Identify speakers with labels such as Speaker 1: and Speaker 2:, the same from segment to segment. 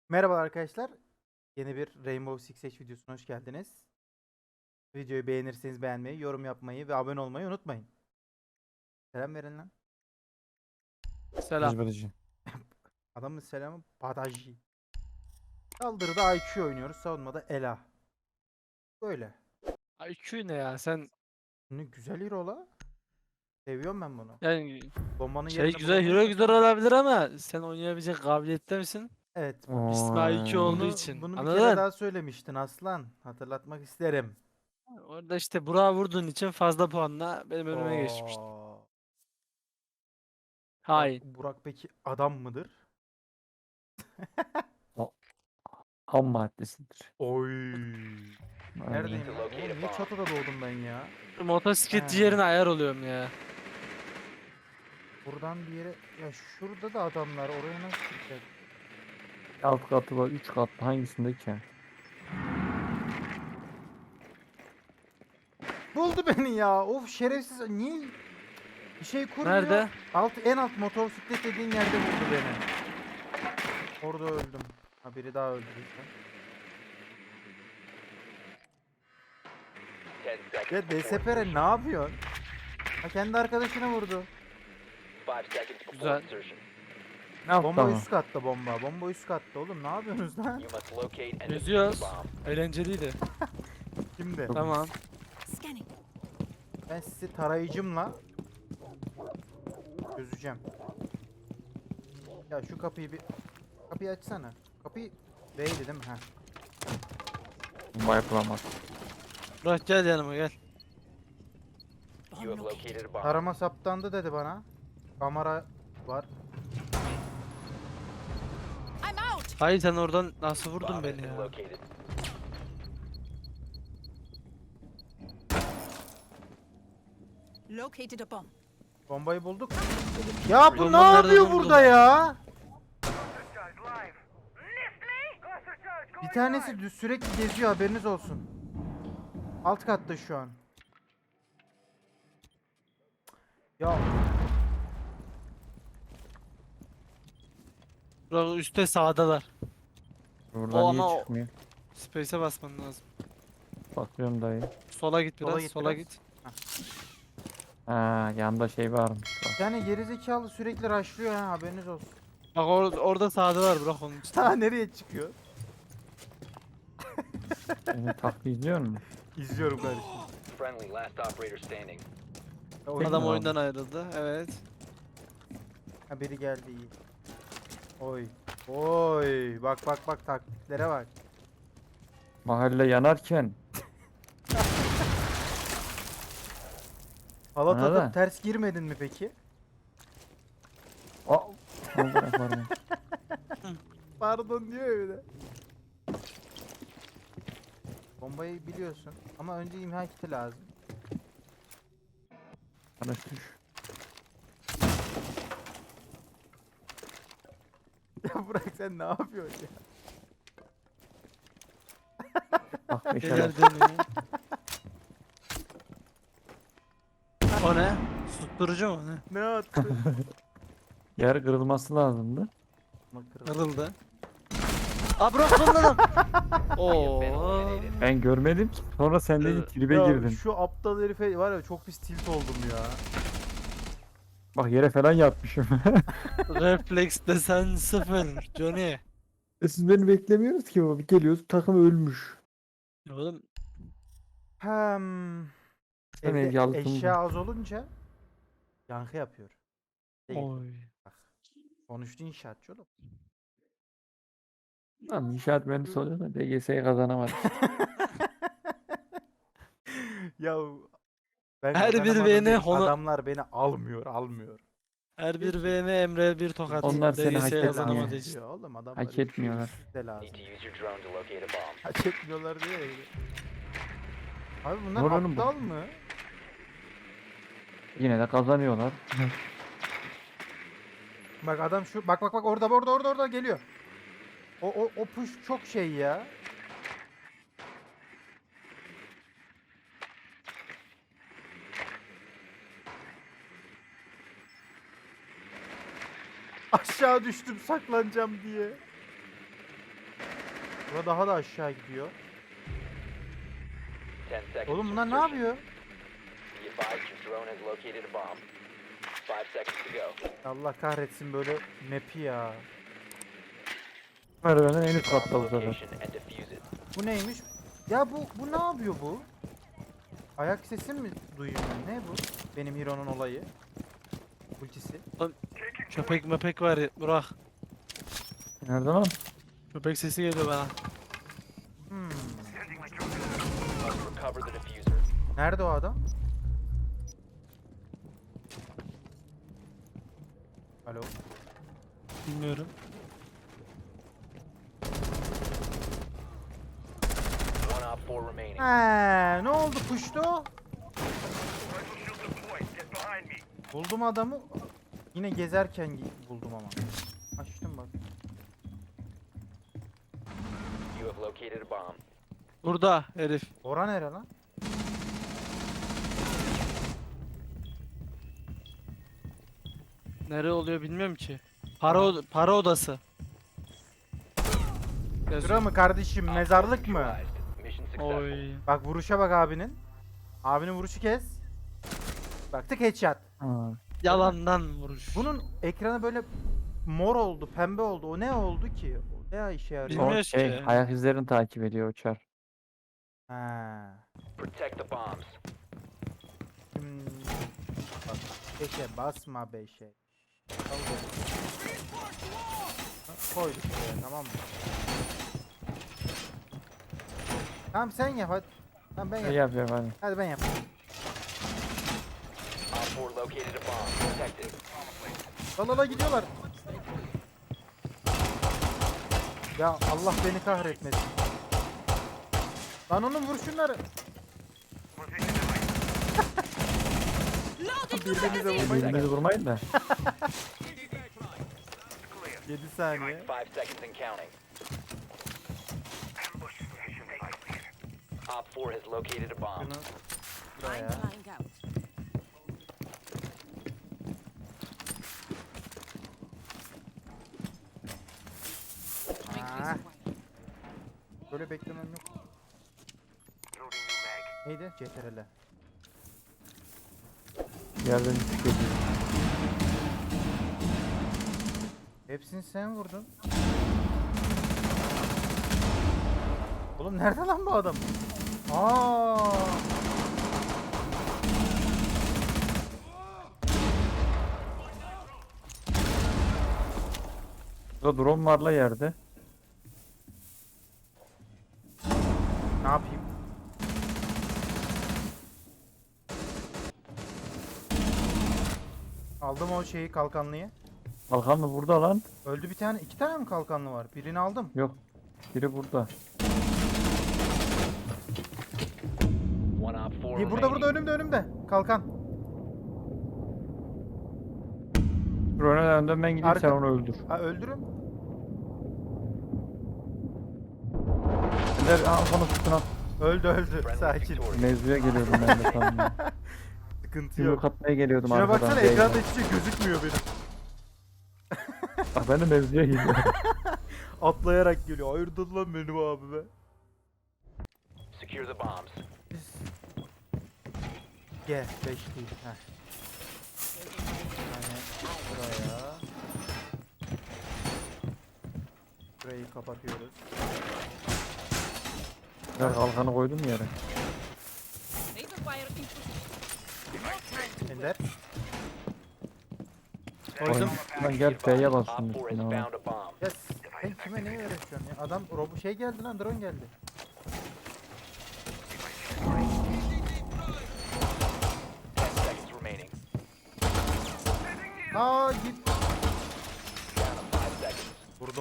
Speaker 1: Merhaba arkadaşlar. Yeni bir Rainbow Six Siege videosuna hoş geldiniz. Videoyu beğenirseniz beğenmeyi, yorum yapmayı ve abone olmayı unutmayın. Selam verin lan.
Speaker 2: Selam.
Speaker 3: Ezberci.
Speaker 1: Adamın selamı Badaji. Saldırıda IQ oynuyoruz, savunmada Ela. Böyle.
Speaker 2: IQ ne ya sen
Speaker 1: Ne güzel hero la. Seviyorum ben bunu.
Speaker 2: yani
Speaker 1: Bombanın
Speaker 2: şey
Speaker 1: yerini
Speaker 2: güzel
Speaker 1: bulamayız
Speaker 2: hero
Speaker 1: da
Speaker 2: güzel
Speaker 1: tamam.
Speaker 2: olabilir ama sen oynayabilecek kabiliyette misin?
Speaker 1: Evet.
Speaker 2: İsmi IQ olduğu
Speaker 1: Bunu
Speaker 2: için.
Speaker 1: bunu bir kere
Speaker 2: Anladın?
Speaker 1: daha söylemiştin aslan. Hatırlatmak isterim.
Speaker 2: Orada işte Burak'a vurduğun için fazla puanla benim önüme geçmişti.
Speaker 1: Oo.
Speaker 2: Hain.
Speaker 1: Burak peki adam mıdır?
Speaker 3: O ham maddesidir.
Speaker 1: Oy.
Speaker 3: Aynen.
Speaker 1: Neredeyim lan? Oğlum niye çatıda doğdum ben ya?
Speaker 2: Motosikletçi
Speaker 1: He.
Speaker 2: yerine ayar oluyorum ya.
Speaker 1: Buradan bir yere... Ya şurada da adamlar. Oraya nasıl çıkacak?
Speaker 3: Alt katı var, 3 katlı hangisinde ki?
Speaker 1: Buldu beni ya. Of şerefsiz. Niye bir şey kurmuyor?
Speaker 2: Nerede?
Speaker 1: En alt motosiklet dediğin yerde buldu beni. Orada öldüm. Ha biri daha öldü bizden. Ya DSPR ne yapıyorsun? Ha kendi arkadaşına vurdu.
Speaker 2: Güzel.
Speaker 3: Ne yaptı
Speaker 1: Bomba
Speaker 3: ama?
Speaker 1: üst katta bomba. Bomba üst katta oğlum. Ne yapıyorsunuz lan?
Speaker 2: Geziyoruz. Eğlenceliydi.
Speaker 1: Şimdi
Speaker 2: Tamam.
Speaker 4: Scanning.
Speaker 1: ben sizi tarayıcımla çözeceğim. Ya şu kapıyı açsana. Kapıyı değdi değil mi? Ha.
Speaker 3: Bomba yapılamaz.
Speaker 2: Burak gel yanıma gel.
Speaker 4: Bomb located.
Speaker 1: Tarama saptandı dedi bana. Kamera var.
Speaker 4: I'm out.
Speaker 2: Hayır sen oradan nasıl vurdun beni ya?
Speaker 4: Located a bomb.
Speaker 1: Bombayı bulduk. Ya bu ne
Speaker 2: Bombanın nerede
Speaker 1: yapıyor
Speaker 2: olduğunu
Speaker 1: burada
Speaker 2: buldum.
Speaker 1: ya? Bir tanesi sürekli geziyor, haberiniz olsun. Alt katta şu an. Ya
Speaker 2: Burak üstte sağdalar.
Speaker 3: Buradan
Speaker 2: O
Speaker 3: niye
Speaker 2: ama
Speaker 3: çıkmıyor?
Speaker 2: Space'e basman lazım.
Speaker 3: Bakıyorum dayı.
Speaker 2: Sola git
Speaker 1: Sola
Speaker 2: biraz,
Speaker 1: git
Speaker 2: sola
Speaker 1: biraz.
Speaker 2: git.
Speaker 3: Ha, yanda şey varmış.
Speaker 1: bir
Speaker 3: Bak.
Speaker 1: tane gerizekalı sürekli rushlıyor ha, haberiniz olsun.
Speaker 2: Bak orada sağdalar Burak onun için.
Speaker 1: Ta nereye çıkıyor?
Speaker 3: Beni taklit izliyor musun?
Speaker 1: İzliyorum kardeşim.
Speaker 5: Friendly, last operator standing.
Speaker 1: Ya
Speaker 3: Tek
Speaker 2: Adam
Speaker 3: mi
Speaker 2: oyundan ayrıldı. Evet.
Speaker 1: Ha biri geldi iyi. Oy. Oy. Bak bak bak taktiklere bak.
Speaker 3: Mahalle yanarken
Speaker 1: Hala
Speaker 3: Bana
Speaker 1: takıp
Speaker 3: da.
Speaker 1: ters girmedin mi peki?
Speaker 3: Aa, Allah pardon.
Speaker 1: Pardon diyor öyle. Bombayı biliyorsun ama önce imha kiti lazım.
Speaker 3: Kardeş düş.
Speaker 1: Ya bırak sen ne yapıyorsun ya?
Speaker 3: Bak beşer
Speaker 2: Neler dönüyor. O ne? Susturucu mu ne?
Speaker 1: Ne attı?
Speaker 3: yer kırılması lazımdı.
Speaker 2: Kırıldı. Aa Burak son adam. Oo.
Speaker 3: Ben görmedim ki. Sonra sen dedin tribe
Speaker 1: Ya
Speaker 3: girdin.
Speaker 1: şu aptal herife var ya, çok pis tilt oldum ya.
Speaker 3: Bak yere falan yatmışım.
Speaker 2: Refleks desen sıfır. Johnny.
Speaker 3: Siz beni beklemiyoruz ki baba. Bir geliyoruz takım ölmüş.
Speaker 2: Oğlum
Speaker 1: Hem
Speaker 3: Sen
Speaker 1: evde
Speaker 3: yalıtımda.
Speaker 1: eşya az olunca yankı yapıyor. Değil.
Speaker 2: oy.
Speaker 1: Konuştu inşaatçı oğlum.
Speaker 3: Tamam inşaat mühendisi oluyor da DGS'yi kazanamadı.
Speaker 1: Ya ben
Speaker 2: Her bir
Speaker 1: kazanamadım
Speaker 2: beni
Speaker 1: değil,
Speaker 2: honu-
Speaker 1: adamlar beni almıyor.
Speaker 2: Her bir VM Emre bir tokat.
Speaker 3: Onlar seni hak
Speaker 2: DGS
Speaker 3: etmiyor.
Speaker 2: kazanamadığı için.
Speaker 1: Ya oğlum adamlar
Speaker 3: Hak etmiyorlar.
Speaker 1: ikisi de lazım.
Speaker 5: Need to use your drone to locate a bomb.
Speaker 1: Hak etmiyorlar diye öyle. Abi bunlar
Speaker 3: Var oğlum bu.
Speaker 1: aptal mı?
Speaker 3: Yine de kazanıyorlar.
Speaker 1: Bak adam şu bak orada geliyor. O push çok şey ya. Aşağı düştüm saklanacağım diye. Burada daha da aşağı gidiyor.
Speaker 5: 10 seconds.
Speaker 1: Oğlum
Speaker 5: to
Speaker 1: bunlar ne
Speaker 5: insertion.
Speaker 1: yapıyor?
Speaker 5: Be advised your drone has located a bomb. 5 seconds to go.
Speaker 1: Allah kahretsin böyle map'i ya.
Speaker 3: Merdivenin en üst
Speaker 5: Bomb
Speaker 3: katta bu sefer.
Speaker 5: location and defuse it.
Speaker 1: Bu neymiş? Ya bu ne yapıyor bu? Ayak sesi mi duyuyorum ben? Ne bu? Benim Hero'nun olayı. Ultisi.
Speaker 2: Köpek mepek var ya, Burak.
Speaker 3: Nerede lan?
Speaker 2: Köpek sesi geliyor bana.
Speaker 1: Hmm.
Speaker 5: Must recover the diffuser.
Speaker 1: Nerede o adam? Alo.
Speaker 2: Bilmiyorum.
Speaker 5: One op 4 remaining.
Speaker 1: Ne oldu puştu? Buldum adamı. Yine gezerken buldum ama. Açtım bak.
Speaker 5: You have located a bomb.
Speaker 2: Burada herif.
Speaker 1: Ora nere lan?
Speaker 2: Nere oluyor bilmiyorum ki. Para odası. Yazıyor.
Speaker 1: Şura mı kardeşim? Mezarlık mı?
Speaker 5: Neutralized. Mission successful.
Speaker 2: Oy.
Speaker 1: Bak vuruşa bak abinin. Abinin vuruşu kes. Bak tık headshot.
Speaker 3: Ha.
Speaker 2: Yalandan vuruş.
Speaker 1: Bunun ekranı böyle mor oldu, pembe oldu. O ne oldu ki? O ne işe yarıyor?
Speaker 2: Bilmiyorum.
Speaker 3: O
Speaker 2: Bilmiyoruz
Speaker 3: şey
Speaker 2: ki.
Speaker 3: ayak izlerini takip ediyor uçar.
Speaker 1: Ha.
Speaker 5: Protect the bombs.
Speaker 1: Hmm. Bak, beşe basma beşe. Al böyle. Ha, koyduk buraya, tamam mı? Tamam sen yap hadi. Tamam ben
Speaker 3: Ne
Speaker 1: yap.
Speaker 3: yapıyorum hadi.
Speaker 1: Hadi ben yap.
Speaker 5: Op 4 located a bomb. Protect it.
Speaker 1: Dalala gidiyorlar. Ya Allah beni kahretmesin. Lan onun vur şunları. Birbirinize vurmayın.
Speaker 3: Birbirinizi vurmayın da.
Speaker 1: 7 saniye.
Speaker 5: 5 seconds and counting. Op 4 has located a bomb.
Speaker 1: Şunu
Speaker 4: I'm
Speaker 1: buraya.
Speaker 4: flying out. Ring
Speaker 1: Ah,
Speaker 4: clears away.
Speaker 1: böyle beklemem yok. Neydi? CTRL.
Speaker 3: Yerden düşük ediyor.
Speaker 1: Hepsini sen vurdun. Oğlum nerede lan bu adam? Aa!
Speaker 3: Burada drone var la yerde.
Speaker 1: Ne yapayım? Aldım o şeyi kalkanlıyı.
Speaker 3: Kalkan mı burada lan?
Speaker 1: Öldü bir tane. 2 tane mi kalkanlı var? Birini aldım.
Speaker 3: Yok. Biri burada.
Speaker 5: One op 4
Speaker 1: İyi, burada
Speaker 5: remaining.
Speaker 1: önümde. Kalkan.
Speaker 3: Drone'a önden ben gideyim sen
Speaker 1: Arka-
Speaker 3: onu öldür.
Speaker 1: Ha öldürün.
Speaker 3: Ender kafana tutun al.
Speaker 1: Öldü.
Speaker 5: Friendly
Speaker 1: Sakin.
Speaker 5: victorious.
Speaker 3: Mevzuya geliyordum ben de tam. ya.
Speaker 1: Sıkıntı
Speaker 3: Yumruk
Speaker 1: yok.
Speaker 3: atmaya geliyordum
Speaker 1: Şuna
Speaker 3: arkadan.
Speaker 1: baksana
Speaker 3: B'ye.
Speaker 1: ekranda hiçbir şey gözükmüyor benim.
Speaker 3: Bak ben de mevzuya geliyorum.
Speaker 1: Atlayarak geliyor. Hayırdır lan benim abi be.
Speaker 5: Secure the bombs.
Speaker 1: Biz... G 5 değil. Heh. Yani buraya. Burayı kapatıyoruz.
Speaker 3: Ben kalkanı koydum yere.
Speaker 4: Razor wire in position.
Speaker 1: Ender.
Speaker 2: Koydum.
Speaker 3: Lan gel F'ye bas
Speaker 5: Op
Speaker 3: şunun
Speaker 5: 4 has
Speaker 3: üstüne.
Speaker 5: found a bomb.
Speaker 1: Ya sen kime neyi öğretiyorsun ya? Adam şey geldi lan, drone geldi.
Speaker 5: Seconds remaining.
Speaker 1: Aa git.
Speaker 5: Down to 5 seconds.
Speaker 1: Vurdum.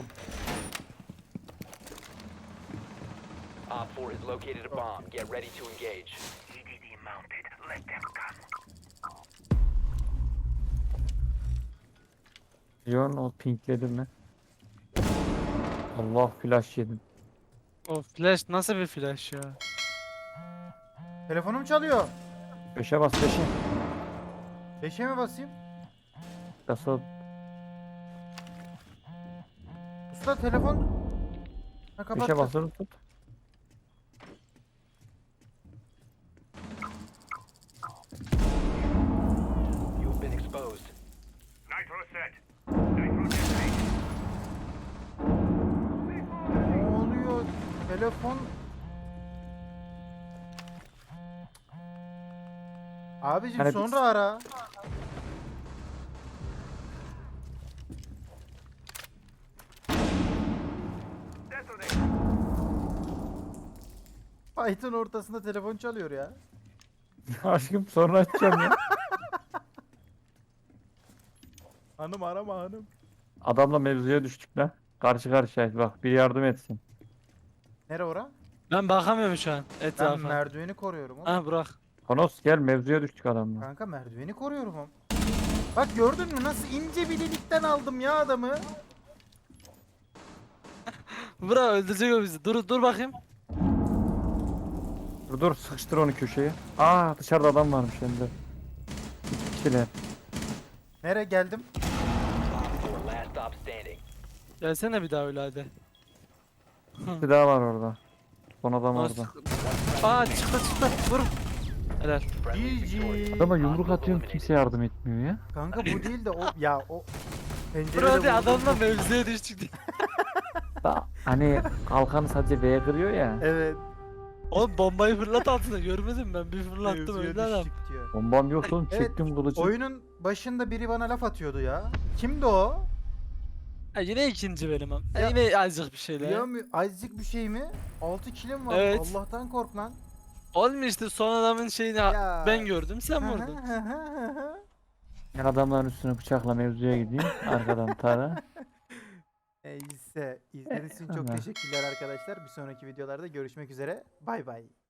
Speaker 5: Op 4 has located a bomb. Get ready to engage.
Speaker 3: John o pinkledi mi? Allah flash yedim.
Speaker 2: O flash nasıl bir flash ya?
Speaker 1: Telefonum çalıyor.
Speaker 3: 5'e bas 5'e.
Speaker 1: 5'e mi basayım?
Speaker 3: Yasa
Speaker 1: Usta telefon. Ha,
Speaker 3: Köşe
Speaker 1: kapattı.
Speaker 3: basılı tut.
Speaker 5: You've been exposed.
Speaker 1: Ne oluyor? Telefon. Abicim
Speaker 3: Hani
Speaker 1: sonra ara. Fight'ın ortasında telefon çalıyor ya.
Speaker 3: Aşkım sonra açacağım ya.
Speaker 1: Hanım arama hanım.
Speaker 3: Adamla mevzuya düştük lan. Karşı karşıya bak bir yardım etsin.
Speaker 1: Nere ora?
Speaker 2: Ben bakamıyorum şu an
Speaker 1: Ben
Speaker 2: etrafa.
Speaker 1: merdiveni koruyorum oğlum.
Speaker 2: Ha Burak.
Speaker 3: Konos gel mevzuya düştük adamla.
Speaker 1: Kanka merdiveni koruyorum oğlum. Bak gördün mü nasıl ince bir delikten aldım ya adamı.
Speaker 2: Burak öldürecek o bizi. Dur bakayım.
Speaker 3: Dur dur sıkıştır onu köşeye. Aa dışarıda adam varmış hem de. İki kişiler.
Speaker 1: Nere geldim?
Speaker 5: Op 4 last stop standing.
Speaker 2: Gelsene bir daha öyle hadi.
Speaker 3: Bir daha var orada. Son adam
Speaker 2: Nasıl?
Speaker 3: orada.
Speaker 2: Aa çıktı. Vur. Helal.
Speaker 5: Friendly victorious.
Speaker 1: GG.
Speaker 3: Adama yumruk
Speaker 5: Hostile
Speaker 3: atıyorum
Speaker 5: eliminated.
Speaker 3: kimse yardım etmiyor ya.
Speaker 1: Kanka bu değil de o ya o pencerede
Speaker 2: Burak hadi
Speaker 1: vurdum.
Speaker 2: adamla mevzuya düştük diye.
Speaker 3: Hani kalkanı sadece V'ye kırıyor ya.
Speaker 1: Evet.
Speaker 2: Oğlum bombayı fırlat altına görmedim ben. Bir fırlattım
Speaker 1: mevzuya
Speaker 2: öldü adam.
Speaker 1: düştük diyor.
Speaker 3: Bombam yok oğlum
Speaker 1: Evet,
Speaker 3: çektim kılıcı.
Speaker 1: Oyunun başında biri bana laf atıyordu ya. Kimdi o?
Speaker 2: Ha, yine ikinci benim am.
Speaker 1: Ya-
Speaker 2: Yine azıcık bir şeyler.
Speaker 1: Biliyor musun? Azıcık bir şey mi? 6 kilim var.
Speaker 2: Evet.
Speaker 1: Allah'tan kork lan.
Speaker 2: Oğlum işte son adamın şeyini
Speaker 1: Ya.
Speaker 2: ben gördüm sen vurdun.
Speaker 3: Ben adamların üstüne bıçakla mevzuya gideyim. Arkadan tara.
Speaker 1: Neyse. İzlediğiniz için çok
Speaker 3: Tamam.
Speaker 1: teşekkürler arkadaşlar. Bir sonraki videolarda görüşmek üzere. Bay bay.